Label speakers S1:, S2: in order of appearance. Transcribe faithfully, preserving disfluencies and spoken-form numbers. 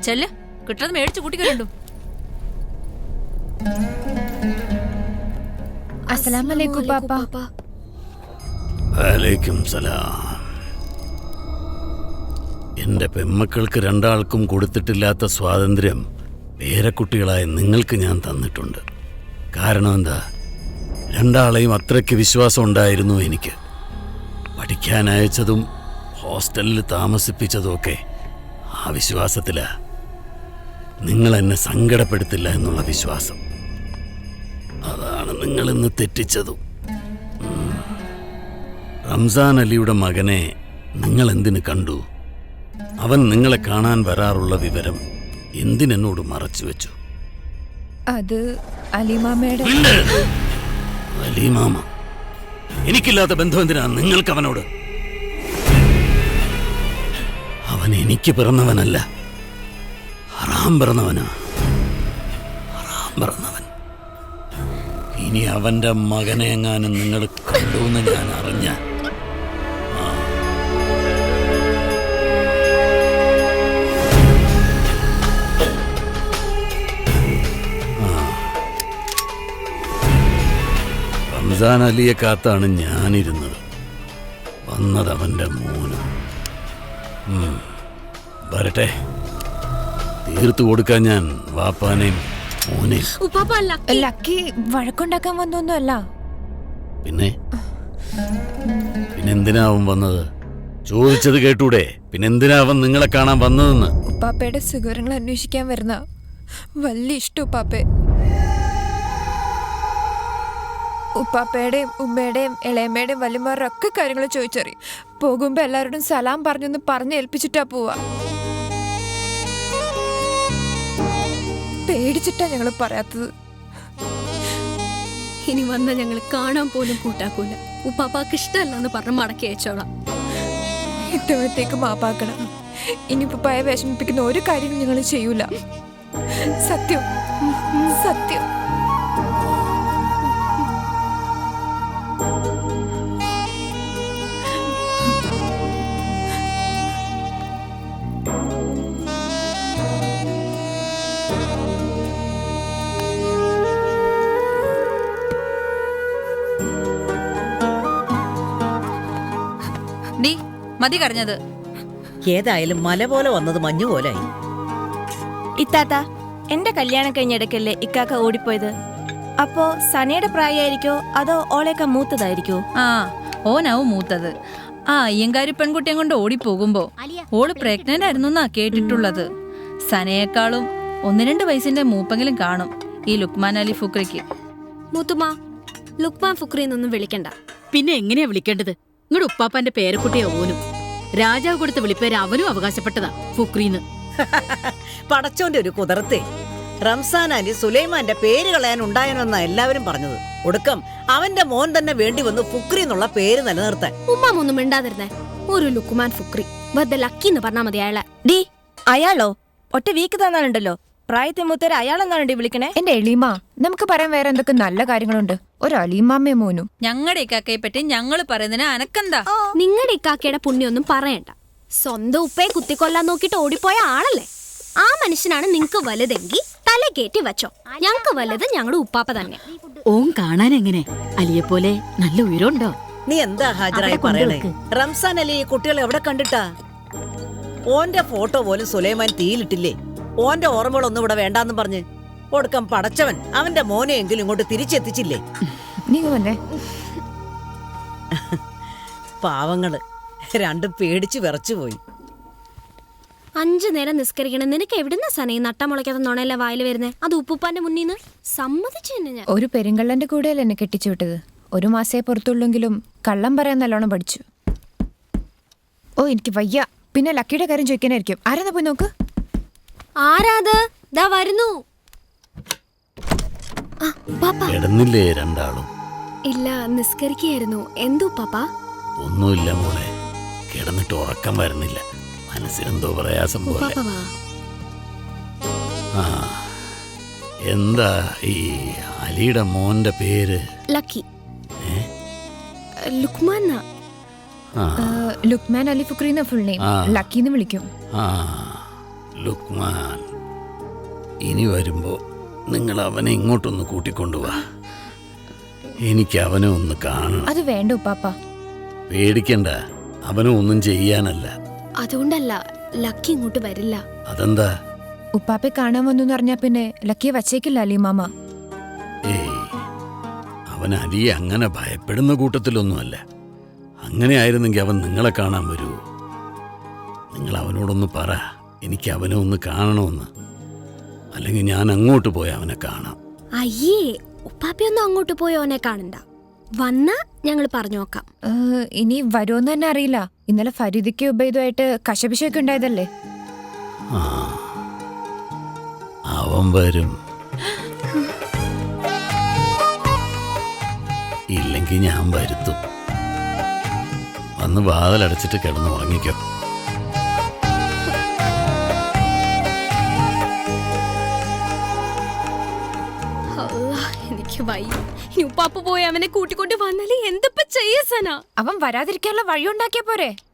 S1: ചെല്ല്, കിട്ടുന്നത് മേടിച്ചു കൂട്ടിക്കണ്ടു.
S2: അസ്സലാമലൈക്കും പാപ്പ.
S3: വലൈക്കും സലാം. എന്റെ പെമ്മക്കൾക്ക് രണ്ടാൾക്കും കൊടുത്തിട്ടില്ലാത്ത സ്വാതന്ത്ര്യം പേരക്കുട്ടികളായ നിങ്ങൾക്ക് ഞാൻ തന്നിട്ടുണ്ട്. കാരണം എന്താ, രണ്ടാളെയും അത്രയ്ക്ക് വിശ്വാസം ഉണ്ടായിരുന്നു എനിക്ക്. പഠിക്കാൻ അയച്ചതും ഹോസ്റ്റലിൽ താമസിപ്പിച്ചതും ഒക്കെ ആ വിശ്വാസത്തിലാ. നിങ്ങൾ എന്നെ സങ്കടപ്പെടുത്തില്ല എന്നുള്ള വിശ്വാസം. അതാണ് നിങ്ങൾ ഇന്ന് തെറ്റിച്ചതും. റംസാൻ അലിയുടെ മകനെ നിങ്ങൾ എന്തിനു കണ്ടു? അവൻ നിങ്ങളെ കാണാൻ വരാറുള്ള വിവരം എന്തിനെന്നോട് മറച്ചു വെച്ചു?
S2: അത് അലിമാമയുടെ.
S3: അലിമാമ? എനിക്കില്ലാത്ത ബന്ധം എന്തിനാ നിങ്ങൾക്ക് അവനോട്? അവൻ എനിക്ക് പിറന്നവനല്ല, ഹറാം പിറന്നവനാ. ഹറാം പിറന്നവൻ. ഇനി അവന്റെ മകനെ എങ്ങാനും നിങ്ങൾ കണ്ടുവെന്ന് ഞാൻ അറിഞ്ഞ റംസാൻ അലിയെ കാത്താണ് ഞാനിരുന്നത്. വന്നത് അവന്റെ മോനും. വരട്ടെ, തീർത്തു കൊടുക്കാൻ ഞാൻ വാപ്പാനെയും മോനെയും.
S2: ലക്കി വഴക്കുണ്ടാക്കാൻ വന്നൊന്നുമല്ല.
S3: പിന്നെ പിന്നെന്തിനാ അവൻ വന്നത്? ചോദിച്ചത് കേട്ടൂടെ? പിന്നെന്തിനാ അവൻ നിങ്ങളെ കാണാൻ വന്നതെന്ന്?
S2: ഉപ്പാപ്പയുടെ സുഖങ്ങൾ അന്വേഷിക്കാൻ വരുന്ന വലിയ ഇഷ്ടം ഉപ്പാപ്പേ. ഉപ്പാപ്പയുടെയും ഉമ്മയുടെയും ഇളയമ്മയുടെയും വല്യമാരുടെ ഒക്കെ കാര്യങ്ങൾ ചോദിച്ചറിയും. പോകുമ്പോ എല്ലാവരോടും സലാം പറഞ്ഞൊന്ന് പറഞ്ഞ് ഏൽപ്പിച്ചിട്ടാ പോവാ. പേടിച്ചിട്ടാ ഞങ്ങള് പറയാത്തത്.
S4: ഇനി വന്ന ഞങ്ങള് കാണാൻ പോലും കൂട്ടാക്കൂല. ഉപ്പാപ്പാക്ക് ഇഷ്ടമല്ലെന്ന് പറഞ്ഞ് മടക്കി അയച്ചോളാം.
S2: ഇത്തവണത്തേക്ക് മാപ്പാക്കണം. ഇനി ഉപ്പായ വിഷമിപ്പിക്കുന്ന ഒരു കാര്യം ഞങ്ങൾ ചെയ്യൂല. സത്യം, സത്യം.
S1: ഡി മതി കരഞ്ഞത്.
S5: ഏതായാലും മല പോലെ വന്നത് മഞ്ഞു പോലായി.
S6: ഇത്താത്ത, എന്റെ കല്യാണം കഴിഞ്ഞിടക്കല്ലേ ഇക്കാക്ക ഓടിപ്പോയത്? അപ്പോ സനയുടെ പ്രായമായിരിക്കോ അതോ ഓളേക്ക മൂത്തതായിരിക്കോ?
S1: ആ, ഓനാവും മൂത്തത്. ആ അയ്യങ്കാരി പെൺകുട്ടിയെ കൊണ്ട് ഓടിപ്പോകുമ്പോ ഓള് പ്രഗ്നന്റ് ആയിരുന്നാ കേട്ടിട്ടുള്ളത്. സനയേക്കാളും ഒന്ന് രണ്ട് വയസ്സിന്റെ മൂപ്പെങ്കിലും കാണും ഈ ലുക്മാൻ അലി ഫുക്രിക്ക്.
S4: മൂത്തുമ്മ, ലുക്മാൻ ഫുക്രി എന്നൊന്നും വിളിക്കണ്ട.
S7: പിന്നെ എങ്ങനെയാ വിളിക്കേണ്ടത്? നിങ്ങളുടെ ഉപ്പാപ്പാന്റെ പേരക്കുട്ടിയെ ഓനും. രാജാവ് കൊടുത്ത വിളിപ്പേര് അവനും അവകാശപ്പെട്ടതാ, ഫുക്രീന്ന്.
S5: പടച്ചോന്റെ ഒരു കുതിർത്തെ. റംസാൻ അലി സുലൈമാന്റെ പേര് കളയാൻ ഉണ്ടായെന്നാ എല്ലാവരും പറഞ്ഞത്. ഒടുക്കം അവന്റെ മോൻ തന്നെ വേണ്ടി വന്നു ഫുക്രി എന്നുള്ള പേര് നിലനിർത്താൻ.
S4: ഉമ്മാമൊന്നും മിണ്ടാതിരുന്നേ. ഒരു ലുക്മാൻ ഫുക്രി വെറുതെ ലക്കി എന്ന് പറഞ്ഞാ മതി അയാളെ.
S6: ഡി അയാളോ? ഒറ്റ വീക്ക് തന്നാലുണ്ടല്ലോ. പ്രായത്തെ മൂത്തര അയാളെന്നാണ് വിളിക്കണേ.
S2: എന്റെ എളീമ, നമുക്ക് പറയാൻ വേറെ എന്തൊക്കെ നല്ല കാര്യങ്ങളുണ്ട്. ഒരു അലീമാമ്മയെ മോനും.
S1: ഞങ്ങളുടെ ഇക്കാക്കയെ പറ്റി ഞങ്ങള് പറയുന്നതിന് അനക്കെന്താ?
S4: നിങ്ങളുടെ ഇക്കാക്കയുടെ പുണ്യൊന്നും പറയണ്ട. സ്വന്തം ഉപ്പയെ കുത്തിക്കൊല്ലാൻ നോക്കിട്ട് ഓടിപ്പോയ ആളല്ലേ. ആ മനുഷ്യനാണ് നിങ്ങക്ക് വലുതെങ്കിൽ തല കയറ്റി വെച്ചോ. ഞങ്ങക്ക് വലുത് ഞങ്ങളുടെ ഉപ്പാപ്പ തന്നെ.
S7: ഓൻ കാണാൻ എങ്ങനെ? അലിയെ പോലെ നല്ല ഉയരമുണ്ടോ?
S5: നീ എന്താ ഹാജരായി പറയണേ? റംസാൻ അലി ഈ കുട്ടികളെ എവിടെ കണ്ടിട്ടാ? ഓന്റെ ഫോട്ടോ പോലും സുലൈമാൻ തീയിലിട്ടില്ലേ? ഓന്റെ ഓർമ്മകളൊന്നും ഇവിടെ വേണ്ടാന്നും പറഞ്ഞ് ഒടുക്കം പടച്ചവൻ അവന്റെ മോനെ എങ്കിലും ഇങ്ങോട്ട് തിരിച്ചെത്തിച്ചില്ലേ? പാവങ്ങള് രണ്ടും പേടിച്ചു വിറച്ചുപോയി.
S4: അഞ്ചു നേരം നിസ്കരിക്കണം. നിനക്ക് എവിടുന്ന സനയെ നട്ടമുളയ്ക്കാത്ത നുണയല്ല വായിൽ വരുന്നേ? അത് ഉപ്പുപ്പാന്റെ മുന്നിന്ന് സമ്മതിച്ചു തന്നെ ഞാൻ.
S2: ഒരു പെരുങ്കള്ളന്റെ കൂടെയല്ല എന്നെ കെട്ടിച്ചു വിട്ടത്. ഒരു മാസേ പുറത്തുള്ളെങ്കിലും കള്ളം പറയാൻ നല്ലോണം പഠിച്ചു. ഓ എനിക്ക് വയ്യ. പിന്നെ ലക്കിയുടെ കാര്യം ചോദിക്കാനായിരിക്കും. ആരാ പോയി നോക്ക്.
S4: ആരാത്? ദാ വരുന്നു.
S3: കിടന്നില്ലേ രണ്ടാളും?
S4: ഇല്ല, നിസ്കരിക്കായിരുന്നു. എന്തോ പാപ്പാ?
S3: ഒന്നുമില്ല മോളെ, കിടന്നിട്ട് ഉറക്കം വരുന്നില്ല. മനസ്സിനെന്തോ പ്രയാസം പോലെ. ആ, എന്താ ഈ അലിയുടെ മോന്റെ പേര്?
S4: Lucky. Lukman.
S2: Lukman Ali Fukri full name. Lucky എന്ന് വിളിക്കും.
S3: ആ, ലുക്മാൻ, ഇനി വരുമ്പോ നിങ്ങൾ അവനെ ഇങ്ങോട്ടൊന്ന് കൂട്ടിക്കൊണ്ടുവാ. എനിക്ക് അവനെ ഒന്ന് കാണണം.
S2: അത് വേണ്ട ഉപ്പാപ്പ.
S3: പേടിക്കണ്ട, അവനെ ഒന്നും ചെയ്യാനല്ല.
S4: അതുകൊണ്ടല്ല ലക്കി ഇങ്ങോട്ട് വരില്ല.
S3: അതെന്താ?
S2: ഉപ്പാപ്പെ കാണാൻ വന്നു പറഞ്ഞാ പിന്നെ ലക്കിയെ വച്ചേക്കില്ല അലി മാമ.
S3: ഏയ്, അവൻ അലിയെ അങ്ങനെ ഭയപ്പെടുന്ന കൂട്ടത്തിലൊന്നുമല്ല. അങ്ങനെ ആയിരുന്നെങ്കിൽ അവൻ നിങ്ങളെ കാണാൻ വരുമോ? നിങ്ങൾ അവനോടൊന്ന് പറ, എനിക്ക് അവനെ ഒന്ന് കാണണമെന്ന്. അല്ലെങ്കിൽ ഞാൻ അങ്ങോട്ട് പോയി അവനെ കാണാം.
S4: അയ്യേ, ഉപ്പാപ്പയൊന്നും അങ്ങോട്ട് പോയി ഓനെ കാണണ്ട. വന്നാ ഞങ്ങൾ പറഞ്ഞു നോക്കാം.
S2: ഏഹ്, ഇനി വരുമെന്ന് തന്നെ അറിയില്ല. ഇന്നലെ ഫരീദിക്ക് ഉബൈദുമായിട്ട് കശപിശയൊക്കെ ഉണ്ടായതല്ലേ.
S3: ആ, അവൻ വരും. ഇല്ലെങ്കിൽ ഞാൻ വരുത്തും. വന്ന് വാതിലടച്ചിട്ട് കിടന്ന് ഉറങ്ങിക്കോ.
S4: അല്ലാ, എനിക്ക് വയ്യ. ഇനി ഉപ്പാപ്പ പോയി അവനെ കൂട്ടിക്കൊണ്ട് വന്നാലേ എന്തപ്പ ചെയ്യ സന?
S2: അവൻ വരാതിരിക്കാനുള്ള വഴി ഉണ്ടാക്കിയ പോരെ.